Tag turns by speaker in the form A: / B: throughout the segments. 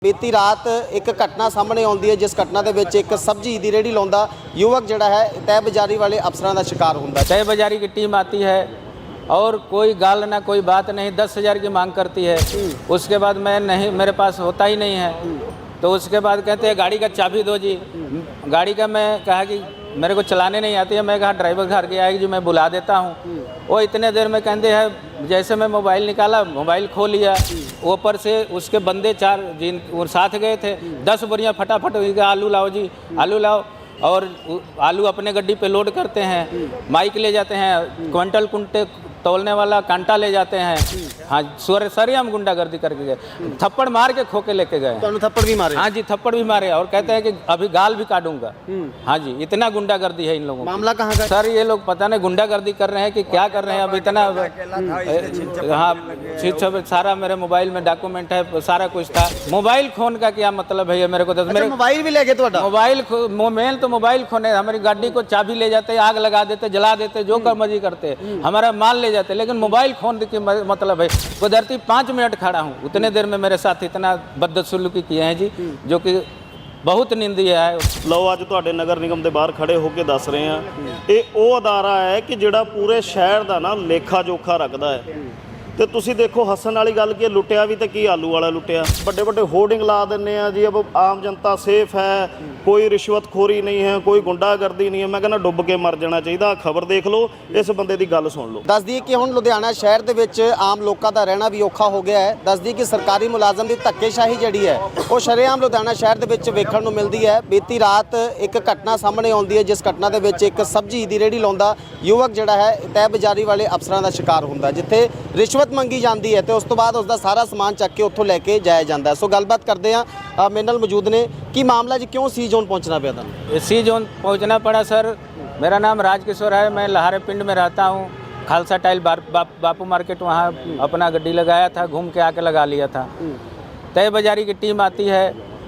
A: बीती रात एक घटना सामने आती है जिस घटना के विच एक सब्जी की रेहड़ी लाउंदा युवक जिहड़ा है तय बाजारी वाले अफसरां का शिकार हुंदा।
B: तय बाजारी की टीम आती है और कोई गाल ना कोई बात नहीं, 10,000 की मांग करती है। उसके बाद मैं नहीं, मेरे पास होता ही नहीं है, तो उसके बाद कहते हैं गाड़ी का चाबी दो जी। गाड़ी का मैं कहा कि मेरे को चलाने नहीं आती है, मैं कहा ड्राइवर घर के आएगी जो मैं बुला देता हूँ। वो इतने देर में कहते हैं, जैसे मैं मोबाइल निकाला, मोबाइल खो लिया। ऊपर से उसके बंदे 4 जिन और साथ गए थे, 10 बोरियाँ फटाफट आलू लाओ जी, आलू लाओ। और आलू अपने गड्डी पे लोड करते हैं, माइक ले जाते हैं, क्विंटल कुंटे तोलने वाला कांटा ले जाते हैं। हाँ, सरे हम गुंडागर्दी करके गए, थप्पड़ मार के खो के लेके गए।
A: तो थप्पड़ भी मारे?
B: हाँ जी, थप्पड़ भी मारे और कहते हैं कि अभी गाल भी काटूंगा। हाँ जी, इतना गुंडागर्दी है इन लोगों का।
A: मामला कहाँ का?
B: सर ये लोग पता नहीं गुंडागर्दी कर रहे हैं कि क्या कर रहे हैं। अब इतना हाँ, छीन सारा मेरे मोबाइल में डॉक्यूमेंट है, सारा कुछ था। मोबाइल खोन का क्या मतलब है ये मेरे को?
A: मेरे मोबाइल भी ले गए? तो
B: मोबाइल मेन तो मोबाइल खोने, हमारी गाड़ी को चाबी ले जाते, आग लगा देते, जला देते, जो कर मर्जी करते, हमारा माल ले जाते, लेकिन मोबाइल फोन की मतलब है। कुदरती 5 मिनट खड़ा हूँ, उतने देर में मेरे साथ इतना बदसलूकी किए हैं जी, जो कि बहुत निंदनीय है।
C: ਲਓ ਅੱਜ ਤੁਹਾਡੇ ਨਗਰ ਨਿਗਮ ਦੇ ਬਾਹਰ ਖੜੇ ਹੋ ਕੇ ਦੱਸ ਰਹੇ ਹਾਂ, ਇਹ ਉਹ ਅਦਾਰਾ ਹੈ ਕਿ ਜਿਹੜਾ ਪੂਰੇ ਸ਼ਹਿਰ ਦਾ ਨਾ ਲੇਖਾ ਜੋਖਾ ਰੱਖਦਾ ਹੈ। ਤੇ ਤੁਸੀਂ ਦੇਖੋ ਹੱਸਣ ਵਾਲੀ ਗੱਲ ਕਿ ਲੁੱਟਿਆ ਵੀ ਤੇ ਕੀ ਆਲੂ ਵਾਲਾ ਲੁੱਟਿਆ। ਵੱਡੇ ਵੱਡੇ ਹੋਰਡਿੰਗ ਲਾ ਦਿੰਦੇ ਆ ਜੀ, ਅਬ ਆਮ ਜਨਤਾ ਸੇਫ ਹੈ, ਕੋਈ ਰਿਸ਼ਵਤਖੋਰੀ ਨਹੀਂ ਹੈ, ਕੋਈ ਗੁੰਡਾਗਰਦੀ ਨਹੀਂ ਹੈ। ਮੈਂ ਕਹਿੰਦਾ ਡੁੱਬ ਕੇ ਮਰ ਜਾਣਾ ਚਾਹੀਦਾ। ਖਬਰ ਦੇਖ ਲਓ, ਇਸ ਬੰਦੇ ਦੀ ਗੱਲ ਸੁਣ ਲਓ।
A: ਦੱਸ ਦਈਏ ਕਿ ਹੁਣ ਲੁਧਿਆਣਾ ਸ਼ਹਿਰ ਦੇ ਵਿੱਚ ਆਮ ਲੋਕਾਂ ਦਾ ਰਹਿਣਾ ਵੀ ਔਖਾ ਹੋ ਗਿਆ ਹੈ। ਦੱਸ ਦਈਏ ਕਿ ਸਰਕਾਰੀ ਮੁਲਾਜ਼ਮ ਦੀ ਧੱਕੇਸ਼ਾਹੀ ਜਿਹੜੀ ਹੈ ਉਹ ਸ਼ਰੇਆਮ ਲੁਧਿਆਣਾ ਸ਼ਹਿਰ ਦੇ ਵਿੱਚ ਵੇਖਣ ਨੂੰ ਮਿਲਦੀ ਹੈ। ਬੀਤੀ ਰਾਤ ਇੱਕ ਘਟਨਾ ਸਾਹਮਣੇ ਆਉਂਦੀ ਹੈ ਜਿਸ ਘਟਨਾ ਦੇ ਵਿੱਚ ਇੱਕ ਸਬਜ਼ੀ ਦੀ ਰੇਹੜੀ ਲਾਉਂਦਾ ਯੁਵਕ ਜਿਹੜਾ ਹੈ ਤੈ ਬਾਜ਼ਾਰੀ ਵਾਲੇ ਅਫਸਰਾਂ ਦਾ ਸ਼ਿਕਾਰ ਹੁੰਦਾ, ਜਿੱਥੇ ਰਿਸ਼ਵਤ ਮੰਗੀ ਜਾਂਦੀ ਹੈ ਤੇ ਉਸ ਤੋਂ ਬਾਅਦ ਉਸ ਦਾ ਸਾਰਾ ਸਮਾਨ ਚੱਕ ਕੇ ਉੱਥੋਂ ਲੈ ਕੇ ਜਾਇਆ ਜਾਂਦਾ। ਸੋ ਗੱਲਬਾਤ ਕਰਦੇ ਹਾਂ, ਮੇਰੇ ਨਾਲ ਮੌਜੂਦ ਨੇ। ਕੀ ਮਾਮਲਾ ਜੀ, क्यों सी जोन पहुंचना पिया था?
B: सी जोन पहुंचना पड़ा सर। मेरा नाम राजकिशोर है, मैं लहारे पिंड में रहता हूं। खालसा टाइल बापू मार्केट वहां अपना गड्डी लगाया था, घूम के आके लगा लिया था। तय बाजारी की टीम आती है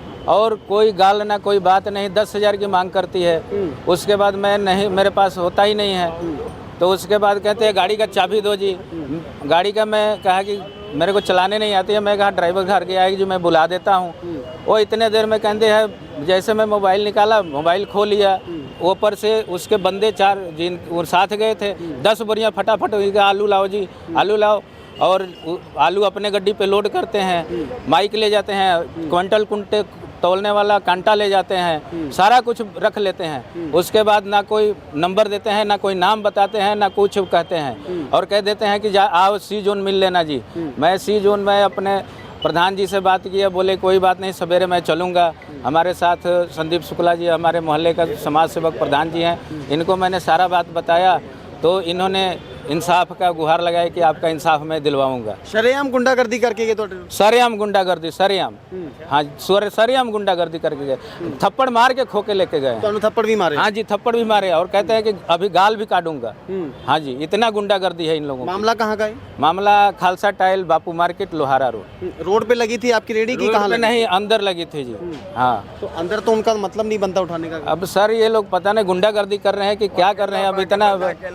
B: और कोई गाल ना कोई बात नहीं, 10,000 की मांग करती है। उसके बाद मैं नहीं, मेरे पास होता ही नहीं है, तो उसके बाद कहते हैं गाड़ी का चाबी दो जी। गाड़ी का मैं कहा कि मेरे को चलाने नहीं आती है, मैं कहा ड्राइवर घर के आएगी जो मैं बुला देता हूँ। वो इतने देर में कहते हैं, जैसे मैं मोबाइल निकाला, मोबाइल खो लिया। ऊपर से उसके बंदे 4 जिन और साथ गए थे, 10 बोरियाँ फटाफट आलू लाओ जी, आलू लाओ। और आलू अपने गड्डी पे लोड करते हैं, माइक ले जाते हैं, क्विंटल कुंटे तोलने वाला कांटा ले जाते हैं, सारा कुछ रख लेते हैं। उसके बाद ना कोई नंबर देते हैं, ना कोई नाम बताते हैं, ना कुछ कहते हैं, और कह देते हैं कि आओ सी जोन मिल लेना जी। मैं सी जोन में अपने प्रधान जी से बात किया, बोले कोई बात नहीं, सवेरे मैं चलूँगा। हमारे साथ संदीप शुक्ला जी हमारे मोहल्ले का समाज सेवक प्रधान जी हैं, इनको मैंने सारा बात बताया, तो इन्होंने इंसाफ का गुहार लगाया कि आपका इंसाफ मैं दिलवाऊंगा।
A: शरेआम गुंडागर्दी करके गए? तो
B: सरेआम गुंडागर्दी, सरेआम। हाँ, सरेआम गुंडागर्दी करके गए, थप्पड़ मार के खो के लेके गए।
A: तो थप्पड़ भी मारे?
B: हाँ जी, थप्पड़ भी मारे और कहते हैं कि अभी गाल भी काटूंगा। हाँ जी, इतना गुंडागर्दी है इन लोगों।
A: मामला कहाँ का है?
B: मामला Khalsa tile Bapu market Lohara
A: road पे लगी थी आपकी रेहड़ी की? कहाँ
B: नहीं, अंदर लगी थी जी। हाँ,
A: तो अंदर तो उनका मतलब नहीं बनता उठाने का।
B: अब सर ये लोग पता नहीं गुंडागर्दी कर रहे हैं कि क्या कर रहे हैं। अब इतना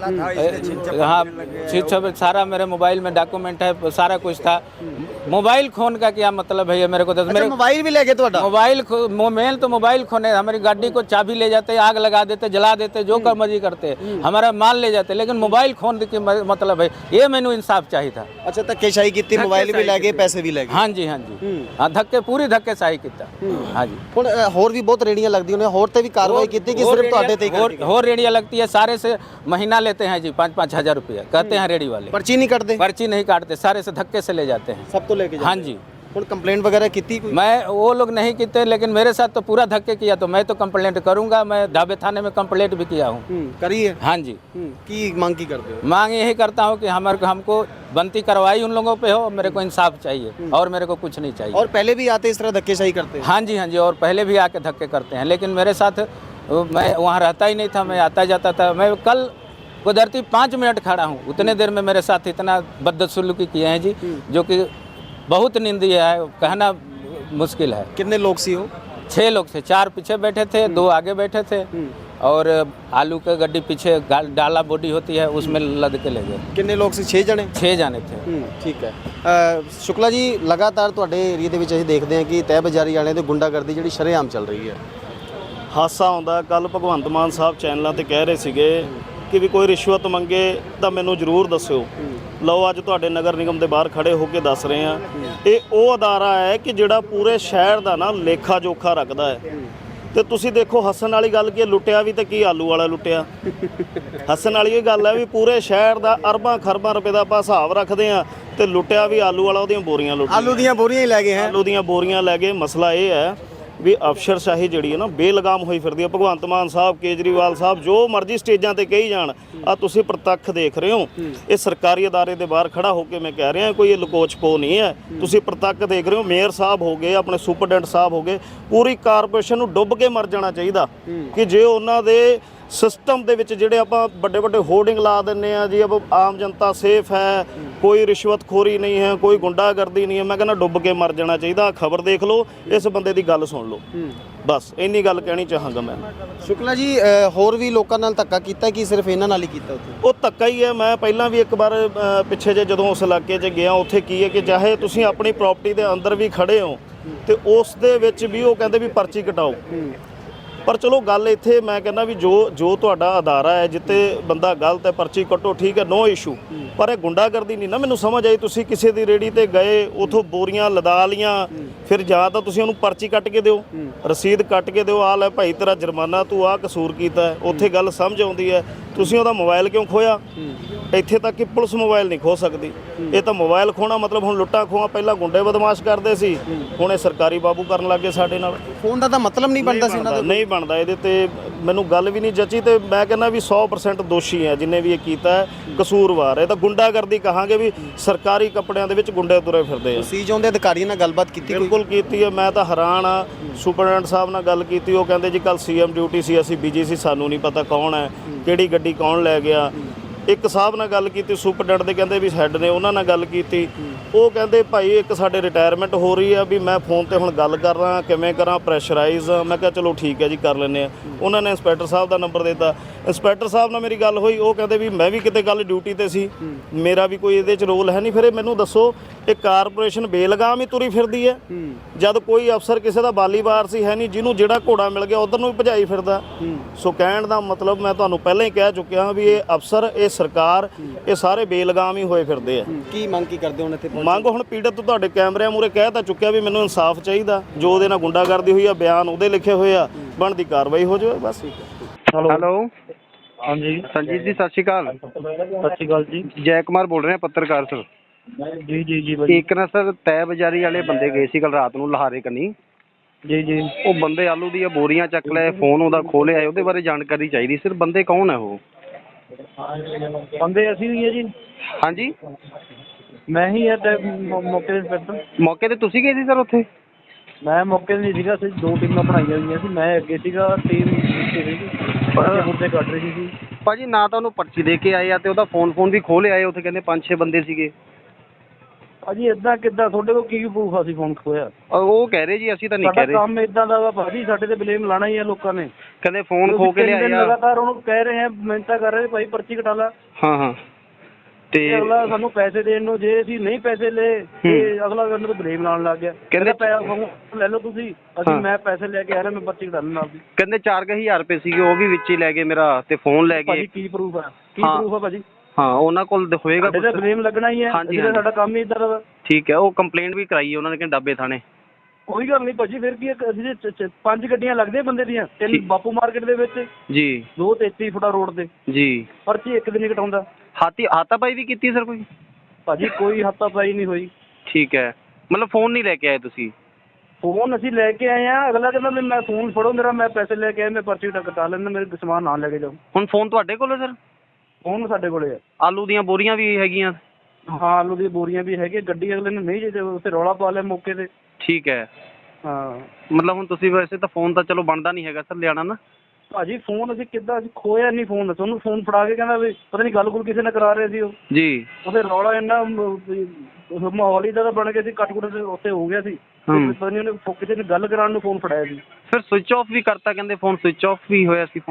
B: हाँ, सारा मेरे मोबाइल में डॉक्यूमेंट है, सारा कुछ था। मोबाइल खोन का क्या मतलब है ये मेरे को? मेरे
A: मोबाइल भी ले गए? तो
B: मोबाइल मेन तो मोबाइल खोने, हमारी गाड़ी को चाबी ले जाते, आग लगा देते, जला देते, जो कर मर्जी करते, हमारा माल ले जाते, लेकिन मोबाइल खोन की मतलब है ये। मैंने इंसाफ चाहिए था।
A: अच्छा, धक्केशाही की? मोबाइल भी ले गए, पैसे भी ले गए?
B: हाँ जी, हाँ जी, हाँ, धक्के पूरी धक्केशाही की। हाँ जी,
A: होर भी बहुत रेहड़ियां लगती हैं, होर ते भी कार्रवाई की कि सिर्फ ਤੁਹਾਡੇ ਤੇ ਹੀ?
B: और रेडिया लगती है, सारे से महीना लेते हैं जी, 5-5 हज़ार रुपया कहते हैं रेडी वाले।
A: पर्ची नहीं काटते?
B: पर्ची नहीं काटते, सारे से धक्के से ले जाते हैं,
A: सब तो लेके
B: हाँ जी।
A: और कंप्लेंट वगैरह की थी?
B: मैं वो लोग नहीं किए, लेकिन मेरे साथ तो पूरा धक्के किया, तो मैं तो कंप्लेंट करूंगा। मैं ढाबे थाने में कंप्लेंट भी किया हूँ।
A: करी है?
B: हाँ जी।
A: की मांग की करते हो?
B: मांग यही करता हूँ कि हमको बनती कार्रवाई उन लोगों पे हो, मेरे को इंसाफ चाहिए और मेरे को कुछ नहीं चाहिए।
A: और पहले भी आते इस तरह धक्केशाही करते हैं?
B: हाँ जी, हाँ जी, और पहले भी आके धक्के करते हैं, लेकिन मेरे साथ मैं वहाँ रहता ही नहीं था, मैं आता जाता था। मैं कल कुदरती 5 मिनट खड़ा हूँ, उतने देर में मेरे साथ इतना बदसलूकी किए हैं जी, जो कि बहुत निंदनीय है, कहना मुश्किल है।
A: कितने लोग सी हो?
B: 6 लोग थे, 4 पीछे बैठे थे, 2 आगे बैठे थे। और आलू का गड्डी पीछे डाला बॉडी होती है उसमें लद के ले गए।
A: ਕਿੰਨੇ ਲੋਕ ਸੀ? 6 ਜਣੇ।
B: 6 जाने थे।
A: ਠੀਕ ਹੈ। ਸ਼ੁਕਲਾ ਜੀ, ਲਗਾਤਾਰ ਤੁਹਾਡੇ ਏਰੀਆ ਦੇ ਵਿੱਚ ਅਸੀਂ ਦੇਖਦੇ ਹਾਂ ਕਿ ਤਹਿ ਬਜ਼ਾਰੀ ਵਾਲਿਆਂ ਦੀ ਗੁੰਡਾਗਰਦੀ ਜਿਹੜੀ ਸ਼ਰੇਆਮ ਚੱਲ ਰਹੀ ਹੈ।
C: ਹਾਸਾ ਆਉਂਦਾ, ਕੱਲ ਭਗਵੰਤ ਮਾਨ ਸਾਹਿਬ ਚੈਨਲਾਂ ਤੇ ਕਹਿ ਰਹੇ ਸੀਗੇ ਕਿ ਵੀ ਕੋਈ ਰਿਸ਼ਵਤ ਮੰਗੇ ਤਾਂ ਮੈਨੂੰ ਜ਼ਰੂਰ ਦੱਸਿਓ। ਲਓ ਅੱਜ ਤੁਹਾਡੇ ਨਗਰ ਨਿਗਮ ਦੇ ਬਾਹਰ ਖੜੇ ਹੋ ਕੇ ਦੱਸ ਰਹੇ ਹਾਂ, ਇਹ ਉਹ ਅਦਾਰਾ ਹੈ ਕਿ ਜਿਹੜਾ ਪੂਰੇ ਸ਼ਹਿਰ ਦਾ ਨਾ ਲੇਖਾ ਜੋਖਾ ਰੱਖਦਾ ਹੈ। ਤੇ ਤੁਸੀਂ ਦੇਖੋ, ਹੱਸਣ ਵਾਲੀ ਗੱਲ ਕੀ ਹੈ, ਲੁੱਟਿਆ ਵੀ ਤੇ ਕੀ ਆਲੂ ਵਾਲਾ ਲੁੱਟਿਆ। ਹੱਸਣ ਵਾਲੀ ਇਹ ਗੱਲ ਹੈ ਵੀ ਪੂਰੇ ਸ਼ਹਿਰ ਦਾ ਅਰਬਾਂ ਖਰਬਾਂ ਰੁਪਏ ਦਾ ਆਪਾਂ ਹਿਸਾਬ ਰੱਖਦੇ ਹਾਂ ਤੇ ਲੁੱਟਿਆ ਵੀ ਆਲੂ ਵਾਲਾ, ਉਹਦੀਆਂ ਬੋਰੀਆਂ ਲੁੱਟ
A: ਆਲੂ ਦੀਆਂ ਬੋਰੀਆਂ ਹੀ ਲੈ ਗਏ ਹੈ।
C: ਆਲੂ ਦੀਆਂ ਬੋਰੀਆਂ ਲੈ ਗਏ। ਮਸਲਾ ਇਹ ਹੈ ਵੀ ਅਫਸਰਸ਼ਾਹੀ ਜਿਹੜੀ ਹੈ ਨਾ ਬੇਲਗਾਮ ਹੋਈ ਫਿਰਦੀ ਹੈ। ਭਗਵੰਤ ਮਾਨ ਸਾਹਿਬ, ਕੇਜਰੀਵਾਲ ਸਾਹਿਬ ਜੋ ਮਰਜ਼ੀ ਸਟੇਜਾਂ ਤੇ ਕਹੀ ਜਾਣ, ਆ ਤੁਸੀਂ ਪ੍ਰਤੱਖ ਦੇਖ ਰਹੇ ਹੋ। ਇਹ ਸਰਕਾਰੀ ਅਦਾਰੇ ਦੇ ਬਾਹਰ ਖੜਾ ਹੋ ਕੇ ਮੈਂ ਕਹਿ ਰਿਹਾ, ਕੋਈ ਇਹ ਲਕੋਚ ਪੋ ਨਹੀਂ ਹੈ। ਤੁਸੀਂ ਪ੍ਰਤੱਖ ਦੇਖ ਰਹੇ ਹੋ। ਮੇਅਰ ਸਾਹਿਬ ਹੋ ਗਏ, ਆਪਣੇ ਸੁਪਰਡੈਂਟ ਸਾਹਿਬ ਹੋ ਗਏ, ਪੂਰੀ ਕਾਰਪੋਰੇਸ਼ਨ ਨੂੰ ਡੁੱਬ ਕੇ ਮਰ ਜਾਣਾ ਚਾਹੀਦਾ ਕਿ ਜੇ ਉਹਨਾਂ ਦੇ ਸਿਸਟਮ ਦੇ ਵਿੱਚ ਜਿਹੜੇ ਆਪਾਂ ਵੱਡੇ ਵੱਡੇ ਹੋਰਡਿੰਗ ਲਾ ਦਿੰਦੇ ਆ ਜੀ, ਅਬ ਆਮ ਜਨਤਾ ਸੇਫ ਹੈ, ਕੋਈ ਰਿਸ਼ਵਤਖੋਰੀ ਨਹੀਂ ਹੈ, ਕੋਈ ਗੁੰਡਾਗਰਦੀ ਨਹੀਂ ਹੈ, ਮੈਂ ਕਹਿੰਦਾ ਡੁੱਬ ਕੇ ਮਰ ਜਾਣਾ ਚਾਹੀਦਾ। ਖਬਰ ਦੇਖ ਲਓ, ਇਸ ਬੰਦੇ ਦੀ ਗੱਲ ਸੁਣ ਲਓ, ਬਸ ਇੰਨੀ ਗੱਲ ਕਹਿਣੀ ਚਾਹਾਂਗਾ ਮੈਂ।
A: ਸ਼ੁਕਲਾ ਜੀ, ਹੋਰ ਵੀ ਲੋਕਾਂ ਨਾਲ ਧੱਕਾ ਕੀਤਾ ਕਿ ਸਿਰਫ ਇਹਨਾਂ ਨਾਲ ਹੀ ਕੀਤਾ ਉੱਥੇ?
C: ਉਹ ਧੱਕਾ ਹੀ ਹੈ। ਮੈਂ ਪਹਿਲਾਂ ਵੀ ਇੱਕ ਵਾਰ ਪਿੱਛੇ ਜੇ ਜਦੋਂ ਉਸ ਇਲਾਕੇ 'ਚ ਗਿਆ, ਉੱਥੇ ਕੀ ਹੈ ਕਿ ਚਾਹੇ ਤੁਸੀਂ ਆਪਣੀ ਪ੍ਰਾਪਰਟੀ ਦੇ ਅੰਦਰ ਵੀ ਖੜੇ ਹੋ ਤੇ ਉਸ ਦੇ ਵਿੱਚ ਵੀ ਉਹ ਕਹਿੰਦੇ ਵੀ ਪਰਚੀ ਕਟਾਓ। ਪਰ ਚਲੋ ਗੱਲ ਇੱਥੇ ਮੈਂ ਕਹਿੰਦਾ ਵੀ ਜੋ ਤੁਹਾਡਾ ਅਦਾਰਾ ਹੈ, ਜਿੱਤੇ ਬੰਦਾ ਗਲਤ ਹੈ ਪਰਚੀ ਕੱਟੋ, ਠੀਕ ਹੈ, ਨੋ ਇਸ਼ੂ। ਪਰ ਇਹ ਗੁੰਡਾਗਰਦੀ ਨਹੀਂ ਨਾ ਮੈਨੂੰ ਸਮਝ ਆਈ। ਤੁਸੀਂ ਕਿਸੇ ਦੀ ਰੇੜੀ ਤੇ ਗਏ, ਉਥੋਂ ਬੋਰੀਆਂ ਲਦਾ ਲੀਆਂ, ਫਿਰ ਜਾਂ ਤਾਂ ਤੁਸੀਂ ਉਹਨੂੰ ਪਰਚੀ ਕੱਟ ਕੇ ਦਿਓ, ਰਸੀਦ ਕੱਟ ਕੇ ਦਿਓ, ਆ ਲੈ ਭਾਈ ਤੇਰਾ ਜੁਰਮਾਨਾ, ਤੂੰ ਆਹ ਕਸੂਰ ਕੀਤਾ। ਉੱਥੇ ਗੱਲ ਸਮਝ ਆਉਂਦੀ ਹੈ। ਤੁਸੀਂ ਉਹਦਾ ਮੋਬਾਈਲ ਕਿਉਂ ਖੋਇਆ? ਇੱਥੇ ਤੱਕ ਕਿ ਪੁਲਿਸ ਮੋਬਾਈਲ ਨਹੀਂ ਖੋ ਸਕਦੀ। ਇਹ ਤਾਂ ਮੋਬਾਈਲ ਖੋਣਾ ਮਤਲਬ ਹੁਣ ਲੁੱਟਾਂ ਖੋਹਾਂ ਪਹਿਲਾਂ ਗੁੰਡੇ ਬਦਮਾਸ਼ ਕਰਦੇ ਸੀ, ਹੁਣ ਇਹ ਸਰਕਾਰੀ ਬਾਬੂ ਕਰਨ ਲੱਗੇ ਸਾਡੇ ਨਾਲ।
A: ਫੋਨ ਦਾ ਤਾਂ ਮਤਲਬ ਨਹੀਂ ਬਣਦਾ ਸੀ ਇਹਨਾਂ ਦਾ,
C: ਨਹੀਂ ਬਣਦਾ। ਇਹਦੇ ਤੇ ਮੈਨੂੰ ਗੱਲ ਵੀ ਨਹੀਂ ਜੱਚੀ ਤੇ ਮੈਂ ਕਹਿੰਦਾ ਵੀ 100% ਦੋਸ਼ੀ ਹੈ ਜਿੰਨੇ ਵੀ ਇਹ ਕੀਤਾ ਹੈ, ਕਸੂਰਵਾਰ ਹੈ। ਤਾਂ ਗੁੰਡਾਗਰਦੀ ਕਹਾਂਗੇ ਵੀ ਸਰਕਾਰੀ ਕੱਪੜਿਆਂ ਦੇ ਵਿੱਚ ਗੁੰਡੇ ਤੁਰੇ ਫਿਰਦੇ ਆ।
A: ਸੀ ਜਾਂਦੇ ਅਧਿਕਾਰੀਆਂ ਨਾਲ ਗੱਲਬਾਤ ਕੀਤੀ?
C: ਬਿਲਕੁਲ ਕੀਤੀ ਹੈ। ਮੈਂ ਤਾਂ ਹੈਰਾਨ ਆ। ਸੁਪਰਡੈਂਟ ਸਾਹਿਬ ਨਾਲ ਗੱਲ ਕੀਤੀ, ਉਹ ਕਹਿੰਦੇ ਜੀ ਕੱਲ ਸੀਐਮ ਡਿਊਟੀ ਸੀ, ਅਸੀਂ ਬਿਜੀ ਸੀ, ਸਾਨੂੰ ਨਹੀਂ ਪਤਾ ਕੌਣ ਹੈ, ਕਿਹੜੀ ਗੱਡੀ ਕੌਣ ਲੈ ਗਿਆ। ਇੱਕ ਸਾਹਿਬ ਨਾਲ ਗੱਲ ਕੀਤੀ ਸੁਪਰਡੈਂਟ ਦੇ, ਕਹਿੰਦੇ ਵੀ ਹੈੱਡ ਨੇ, ਉਹਨਾਂ ਨਾਲ ਗੱਲ ਕੀਤੀ। ਉਹ ਕਹਿੰਦੇ ਭਾਈ ਇੱਕ ਸਾਡੇ ਰਿਟਾਇਰਮੈਂਟ ਹੋ ਰਹੀ ਆ, ਵੀ ਮੈਂ ਫੋਨ ਤੇ ਹੁਣ ਗੱਲ ਕਰ ਰਹਾ, ਕਿਵੇਂ ਕਰਾਂ, ਪ੍ਰੈਸ਼ਰਾਈਜ਼। ਮੈਂ ਕਿਹਾ ਚਲੋ ਠੀਕ ਹੈ ਜੀ, ਕਰ ਲੈਂਦੇ ਆ। ਉਹਨਾਂ ਨੇ ਇੰਸਪੈਕਟਰ ਸਾਹਿਬ ਦਾ ਨੰਬਰ ਦਿੱਤਾ। ਇੰਸਪੈਕਟਰ ਸਾਹਿਬ ਨਾਲ ਮੇਰੀ ਗੱਲ ਹੋਈ, ਉਹ ਕਹਿੰਦੇ ਵੀ ਮੈਂ ਵੀ ਕਿਤੇ ਕੱਲ ਡਿਊਟੀ ਤੇ ਸੀ, ਮੇਰਾ ਵੀ ਕੋਈ ਇਹਦੇ 'ਚ ਰੋਲ ਹੈ ਨਹੀਂ। ਫਿਰ ਇਹ ਮੈਨੂੰ ਦੱਸੋ, ਇਹ ਕਾਰਪੋਰੇਸ਼ਨ ਬੇਲਗਾਮ ਹੀ ਤੁਰੀ ਫਿਰਦੀ ਹੈ ਜਦ ਕੋਈ ਅਫਸਰ ਕਿਸੇ ਦਾ ਬਾਲੀ ਵਾਰਸੀ ਹੈ ਨਹੀਂ, ਜਿਹਨੂੰ ਜਿਹੜਾ ਘੋੜਾ ਮਿਲ ਗਿਆ ਉਧਰ ਨੂੰ ਵੀ ਭਜਾਈ ਫਿਰਦਾ। ਸੋ ਕਹਿਣ ਦਾ ਮਤਲਬ ਮੈਂ ਤੁਹਾਨੂੰ ਪਹਿਲਾਂ ਹੀ ਕਹਿ ਚੁੱਕਿਆ ਵੀ ਇਹ ਅਫਸਰ, ਇਹ ਸਰਕਾਰ, ਇਹ ਸਾਰੇ ਬੇਲਗਾਮ ਹੀ ਹੋਏ ਫਿਰਦੇ ਆ।
A: ਕੀ ਮੰਗ ਕੀ ਕਰਦੇ ਹੁਣ ਇੱਥੇ?
C: ਮੰਗ ਹੁਣ ਪੀੜਤ ਤੋਂ ਤੁਹਾਡੇ ਕੈਮਰਿਆਂ ਮੂਹਰੇ ਕਹਿ ਤਾਂ ਚੁੱਕਿਆ ਵੀ ਮੈਨੂੰ ਇਨਸਾਫ ਚਾਹੀਦਾ। ਜੋ ਉਹਦੇ ਨਾਲ ਗੁੰਡਾਗਰਦੀ ਹੋਈ ਆ, ਬਿਆਨ ਉਹਦੇ ਲਿਖੇ ਹੋਏ ਆ, ਬਣਦੀ ਕਾਰਵਾਈ ਹੋ ਜਾਵੇ ਬਸ।
D: ਹੈਲੋ,
E: ਹਾਂਜੀ
D: ਸੰਜੀਤ ਜੀ, ਸਤਿ ਸ਼੍ਰੀ ਅਕਾਲ।
E: ਸਤਿ ਸ਼੍ਰੀ ਅਕਾਲ ਜੀ।
D: ਜੈ ਕੁਮਾਰ ਬੋਲ ਰਹੇ ਹਾਂ, ਪੱਤਰਕਾਰ ਸਰ।
E: ਜੀ ਜੀ ਜੀ ਭਾਈ।
D: ਇੱਕ ਨਾ ਸਰ, ਤਹਿ ਬਜ਼ਾਰੀ ਵਾਲੇ ਬੰਦੇ ਗਏ ਸੀ ਕੱਲ ਰਾਤ ਨੂੰ ਲਹਾਰੇ ਕੰਨੀ।
E: ਜੀ ਜੀ।
D: ਉਹ ਬੰਦੇ ਆਲੂ ਦੀਆਂ ਬੋਰੀਆਂ ਚੱਕ ਲਏ, ਫੋਨ ਉਹਦਾ ਖੋਹ ਲਿਆ, ਉਹਦੇ ਬਾਰੇ ਜਾਣਕਾਰੀ ਚਾਹੀਦੀ ਸਰ। ਬੰਦੇ ਕੌਣ ਹੈ ਉਹ?
E: ਬੰਦੇ ਅਸੀਂ ਹੀ ਹੈ ਜੀ।
D: ਹਾਂਜੀ,
E: ਮੈਂ ਹੀ ਹੈ ਮੌਕੇ ਦੇ ਇੰਸਪੈਕਟਰ।
D: ਮੌਕੇ ਤੇ ਤੁਸੀਂ ਗਏ ਸੀ ਸਰ ਉੱਥੇ?
E: ਮੈਂ ਮੌਕੇ ਤੇ ਨਹੀਂ ਸੀਗਾ, ਅਸੀਂ 2 ਟੀਮਾਂ ਬਣਾਈਆਂ ਹੋਈਆਂ ਸੀ, ਮੈਂ ਅੱਗੇ ਸੀਗਾ, ਟੀਮ ਪਿੱਛੇ ਸੀਗੀ, ਮੁੱਦੇ ਕੱਢ ਰਹੀ ਸੀ।
D: ਭਾਜੀ ਨਾ ਤਾਂ ਉਹਨੂੰ ਪਰਚੀ ਦੇ ਕੇ ਆਏ ਆ ਤੇ ਉਹਦਾ ਫੋਨ ਵੀ ਖੋਹ ਲਿਆਏ। ਉੱਥੇ ਕਹਿੰਦੇ 5-6 ਬੰਦੇ ਸੀਗੇ।
E: ਭਾਜੀ ਇੱਦਾਂ ਕਿੱਦਾਂ? ਤੁਹਾਡੇ ਕੋਲ ਕੀ ਪ੍ਰੂਫ ਆ? ਅਸੀਂ ਫੋਨ ਖੋਇਆ?
D: ਉਹ ਕਹਿ ਰਹੇ ਜੀ, ਅਸੀਂ ਤਾਂ ਨਹੀਂ ਕਹਿ ਰਹੇ।
E: ਸਾਡਾ ਕੰਮ ਇੱਦਾਂ ਦਾ ਵਾ ਭਾਜੀ, ਸਾਡੇ ਤੇ ਬਲੇਮ ਲਾਣਾ ਹੀ ਆ ਲੋਕਾਂ ਨੇ।
D: ਕਹਿੰਦੇ ਫੋਨ ਖੋ ਕੇ ਲਿਆਏ ਆ।
E: ਲਗਾਤਾਰ ਉਹਨੂੰ ਕਹਿ ਰਹੇ ਆ, ਮਿਹਨਤਾਂ ਕਰ ਰਹੇ ਭਾਈ ਪਰਚੀ ਕਟਾ ਲਾ।
D: ਹਾਂ ਤੇ
E: ਅਗਲਾ ਸਾਨੂੰ ਪੈਸੇ ਦੇਣ ਨੂੰ, ਜੇ ਅਸੀਂ ਨਹੀਂ ਪੈਸੇ ਲਏ ਤੇ ਅਗਲਾ ਮੈਨੂੰ ਬਲੇਮ ਲਾਉਣ ਲੱਗ ਗਿਆ। ਕਹਿੰਦੇ ਪੈਸੇ ਲੈ ਲਓ ਤੁਸੀਂ, ਮੈਂ ਪੈਸੇ ਲੈ ਕੇ ਆ ਰਿਹਾ, ਮੈਂ ਪਰਚੀ ਕਟਾ ਲੈਣਾ ਆਪਦੀ।
D: ਕਹਿੰਦੇ 4000 ਰੁਪਏ ਸੀਗੇ, ਉਹ ਵੀ ਵਿੱਚ ਹੀ ਲੈ ਗਏ ਮੇਰਾ, ਤੇ ਫੋਨ ਲੈ ਗਏ।
E: ਭਾਜੀ ਕੀ ਪ੍ਰੂਫ ਆ? ਕੀ ਪ੍ਰੂਫ ਆ ਭਾਜੀ?
D: ਹਾਂ, ਉਹਨਾਂ ਕੋਲ ਹੋਏਗਾ ਕੁਝ।
E: ਬਲੇਮ ਲੱਗਣਾ ਹੀ ਹੈ, ਸਾਡਾ ਕੰਮ ਹੀ ਇਦਾਂ ਦਾ।
D: ਠੀਕ ਹੈ, ਉਹ ਕੰਪਲੇਂਟ ਵੀ ਕਰਾਈ ਉਹਨਾਂ ਨੇ ਕਿ ਡੱਬੇ ਥਾਣੇ।
E: ਕੋਈ ਗੱਲ ਨਹੀਂ ਭਾਜੀ, ਫਿਰ ਕੀ ਅਸੀਂ 5 ਗੱਡੀਆਂ ਲੱਗਦੀਆਂ ਬੰਦੇ ਦੀਆਂ, 3 ਬਾਪੂ ਮਾਰਕੀਟ ਦੇ ਵਿੱਚ
D: ਜੀ,
E: 2 33 ਫੁੱਟਾ ਰੋਡ ਤੇ ਜੀ। ਪਰਚੀ ਇੱਕ ਦਿਨ ਹੀ ਕਟਾਉਂਦਾ।
D: ਹਾਤਾਪਾਈ ਵੀ ਕੀਤੀ ਸਰ ਕੋਈ?
E: ਭਾਜੀ ਕੋਈ ਹਾਤਾਪਾਈ ਨਹੀਂ ਹੋਈ।
D: ਠੀਕ ਹੈ, ਮਤਲਬ ਫੋਨ ਨਹੀਂ ਲੈ ਕੇ ਆਏ ਤੁਸੀਂ?
E: ਫੋਨ ਅਸੀਂ ਲੈ ਕੇ ਆਏ ਆ। ਅਗਲਾ ਕਹਿੰਦਾ ਵੀ ਮੈਂ ਫੋਨ ਫੜੋ ਮੇਰਾ, ਮੈਂ ਪੈਸੇ ਲੈ ਕੇ ਆਇਆ, ਮੈਂ ਪਰਚੀ ਕਟਾ ਲੈਂਦਾ, ਮੇਰੇ ਸਮਾਨ ਨਾਲ ਲੈ ਕੇ ਜਾਓ।
D: ਹੁਣ ਫੋਨ ਤੁਹਾਡੇ ਕੋਲ ਹੈ ਸਰ?
E: ਫੋਨ ਸਾਡੇ ਕੋਲੇ ਆ।
D: ਆਲੂ ਦੀਆਂ ਬੋਰੀਆਂ ਵੀ ਹੈਗੀਆਂ?
E: ਹਾਂ, ਆਲੂ ਦੀਆਂ ਬੋਰੀਆਂ ਵੀ ਹੈਗੀਆਂ। ਗੱਡੀ ਅਗਲੇ ਨੇ ਨਹੀਂ ਜੇ ਉੱਥੇ ਰੌਲਾ ਪਾ ਲਿਆ ਮੌਕੇ ਤੇ।
D: ਠੀਕ ਹੈ।
E: ਹਾਂ,
D: ਮਤਲਬ ਹੁਣ ਤੁਸੀਂ ਵੈਸੇ ਤਾਂ ਫੋਨ ਤਾਂ ਚਲੋ ਬਣਦਾ ਨਹੀਂ ਹੈਗਾ ਸਰ ਲਿਆਣਾ ਨਾ।
E: ਭਾਜੀ ਫੋਨ ਅਸੀਂ ਕਿੱਦਾਂ, ਅਸੀਂ ਖੋਇਆ ਨਹੀਂ ਫੋਨ। ਤੁਹਾਨੂੰ ਫੋਨ ਫੜਾ ਕੇ ਕਹਿੰਦਾ ਵੀ ਪਤਾ ਨਹੀਂ ਗੱਲ ਕਿਸੇ ਨਾਲ ਕਰਾ ਰਹੇ ਸੀ ਉਹ ਜੀ। ਉਹਦੇ ਰੌਲਾ ਇੰਨਾ ਮਾਹੌਲ ਹੀ ਦਾ ਬਣ ਗਿਆ ਸੀ, ਕੱਟ ਕੁੱਟ ਉੱਥੇ ਹੋ ਗਿਆ ਸੀ। ਪਤਾ ਨਹੀਂ ਉਹਨੇ ਕਿਸੇ ਨੇ ਗੱਲ ਕਰਾਉਣ ਨੂੰ ਫੋਨ ਫੜਾਇਆ ਸੀ।
D: ਫਿਰ ਸਵਿਚ ਆਫ ਵੀ ਕਰਤਾ, ਕਹਿੰਦੇ ਫੋਨ ਸਵਿਚ ਆਫ ਵੀ ਹੋਇਆ ਸੀ ਫੋਨ ਜੀ।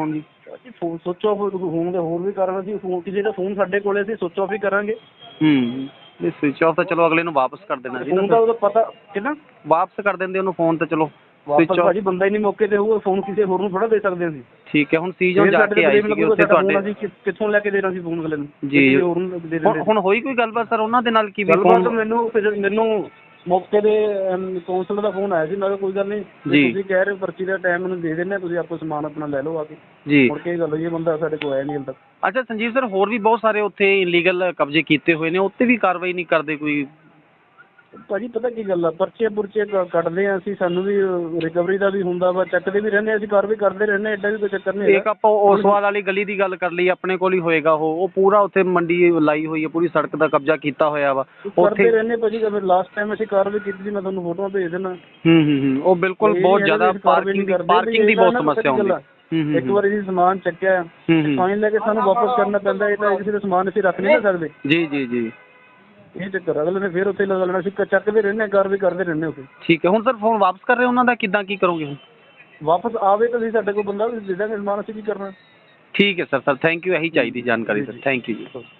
E: ਜੀ ਫੋਨ ਸੁੱਚ ਆਫ ਹੋਣ ਦੇ ਹੋਰ ਵੀ ਕਾਰਨ ਸੀ, ਫੋਨ ਕਿਸੇ ਦਾ ਫੋਨ ਸਾਡੇ ਕੋਲੇ ਸੀ ਸੁੱਚ ਆਫ ਹੀ ਕਰਾਂਗੇ।
D: ਇਹ ਸਵਿਚ ਆਫ ਤਾਂ ਚਲੋ ਅਗਲੇ ਨੂੰ ਵਾਪਸ ਕਰ ਦੇਣਾ ਸੀ,
E: ਫੋਨ ਦਾ ਉਹਦਾ ਪਤਾ ਕਿੰਨਾ
D: ਵਾਪਸ ਕਰ ਦਿੰਦੇ ਉਹਨੂੰ ਫੋਨ ਤਾਂ ਚਲੋ
E: ਵਾਪਸ ਭਾਜੀ ਬੰਦਾ ਹੀ ਨਹੀਂ ਮੌਕੇ ਤੇ ਹੋਊਗਾ, ਫੋਨ ਕਿਸੇ ਹੋਰ ਨੂੰ ਥੋੜਾ ਦੇ ਸਕਦੇ ਅਸੀਂ।
D: ਠੀਕ ਹੈ, ਹੁਣ ਸੀਜ਼ਨ ਜਾ ਕੇ ਆਏ ਸੀਗੇ ਉੱਥੇ ਤੁਹਾਡੇ,
E: ਅਸੀਂ ਕਿੱਥੋਂ ਲੈ ਕੇ ਦੇਣਾ ਸੀ ਫੋਨ ਅਗਲੇ ਨੂੰ
D: ਜੀ
E: ਹੋਰ ਨੂੰ ਦੇ ਦਿੰਦੇ।
D: ਹੁਣ ਹੋਈ ਕੋਈ ਗੱਲਬਾਤ ਸਰ ਉਹਨਾਂ ਦੇ ਨਾਲ ਕੀ ਵੀ
E: ਗੱਲਬਾਤ ਮੈਨੂੰ ਮੌਕੇ ਦੇ ਕੌਂਸਲ ਦਾ ਫੋਨ ਆਇਆ ਸੀ, ਮੈਂ ਕਿਹਾ ਕੋਈ ਗੱਲ ਨਹੀਂ ਤੁਸੀਂ ਕਹਿ ਰਹੇ ਹੋ ਪਰਚੀ ਦਾ ਟਾਈਮ ਮੈਨੂੰ ਦੇ ਦਿੰਦੇ, ਤੁਸੀਂ ਆਪਣਾ ਸਮਾਨ ਆਪਣਾ ਲੈ ਲਓ ਆ ਕੇ
D: ਜੀ।
E: ਮੁੜ ਕੇ ਗੱਲ ਹੋਈ, ਇਹ ਬੰਦਾ ਸਾਡੇ ਕੋਲ ਆਇਆ ਨਹੀਂ ਹਾਲੇ ਤੱਕ।
D: ਅੱਛਾ ਸੰਜੀਵ ਸਰ, ਹੋਰ ਵੀ ਬਹੁਤ ਸਾਰੇ ਉੱਥੇ ਇਲੀਗਲ ਕਬਜ਼ੇ ਕੀਤੇ ਹੋਏ ਨੇ, ਉੱਤੇ ਵੀ ਕਾਰਵਾਈ ਨਹੀਂ ਕਰਦੇ ਕੋਈ?
E: ਭਾਜੀ ਪਤਾ ਕੀ ਗੱਲ ਆ, ਪਰਚੇ ਪੁਰਚੇ ਕੱਢਦੇ ਆ ਅਸੀਂ, ਸਾਨੂੰ ਵੀ ਰਿਕਵਰੀ ਦਾ ਵੀ ਹੁੰਦਾ ਵਾ, ਚੱਕਦੇ ਵੀ ਰਹਿੰਦੇ ਅਸੀਂ, ਕਾਰਵਾਈ ਕਰਦੇ ਰਹਿੰਦੇ, ਐਡਾ ਵੀ ਕੋਈ ਚੱਕਰ ਨਹੀਂ।
D: ਇੱਕ ਆਪਾਂ ਓਸਵਾਲ ਵਾਲੀ ਗਲੀ ਦੀ ਗੱਲ ਕਰ ਲਈ, ਆਪਣੇ ਕੋਲ ਹੀ ਹੋਏਗਾ ਉਹ ਪੂਰਾ ਉੱਥੇ ਮੰਡੀ ਲਾਈ ਹੋਈ ਹੈ, ਪੂਰੀ ਸੜਕ ਦਾ ਕਬਜ਼ਾ ਕੀਤਾ ਹੋਇਆ ਵਾ
E: ਕਰਦੇ ਰਹਿੰਦੇ ਭਾਜੀ। ਲਾਸਟ ਟਾਈਮ ਅਸੀਂ ਕਾਰਵਾਈ ਕੀਤੀ ਸੀ, ਮੈਂ ਤੁਹਾਨੂੰ ਫੋਟੋਆਂ ਭੇਜ ਦੇਣਾ।
D: ਉਹ ਬਿਲਕੁਲ ਬਹੁਤ ਜ਼ਿਆਦਾ ਪਾਰਕਿੰਗ ਦੀ ਬਹੁਤ ਸਮੱਸਿਆ ਹੁੰਦੀ।
E: ਇੱਕ ਵਾਰੀ ਅਸੀਂ ਸਮਾਨ ਚੱਕਿਆ ਫਾਈਨ ਲੈ ਕੇ ਸਾਨੂੰ ਵਾਪਸ ਕਰਨਾ ਪੈਂਦਾ, ਇਹ ਤਾਂ ਕਿਸੇ ਦਾ ਸਮਾਨ ਅਸੀਂ ਰੱਖ ਨਹੀਂ ਸਕਦੇ।
D: ਜੀ
E: ਇਹ ਚੱਕਰ ਅਗਲੇ ਨੇ ਫਿਰ ਉੱਥੇ ਲਗਾ ਲੈਣਾ, ਅਸੀਂ ਚੱਕਦੇ ਰਹਿੰਦੇ, ਕਾਰਵਾਈ ਕਰਦੇ ਰਹਿੰਦੇ ਉੱਥੇ।
D: ਠੀਕ ਹੈ, ਹੁਣ ਸਰ ਫੋਨ ਵਾਪਸ ਕਰ ਰਹੇ ਉਹਨਾਂ ਦਾ ਕਿੱਦਾਂ ਕੀ ਕਰੋਗੇ ਹੁਣ?
E: ਵਾਪਸ ਆਵੇ ਤਾਂ ਅਸੀਂ ਸਾਡੇ ਕੋਲ ਬੰਦਾ ਦੇ ਦਾਂਗੇ ਸਮਾਨ, ਅਸੀਂ ਕੀ ਕਰਨਾ।
D: ਠੀਕ ਹੈ ਸਰ ਥੈਂਕ ਯੂ, ਇਹੀ ਚਾਹੀਦੀ ਜਾਣਕਾਰੀ ਸਰ, ਥੈਂਕ ਯੂ ਜੀ।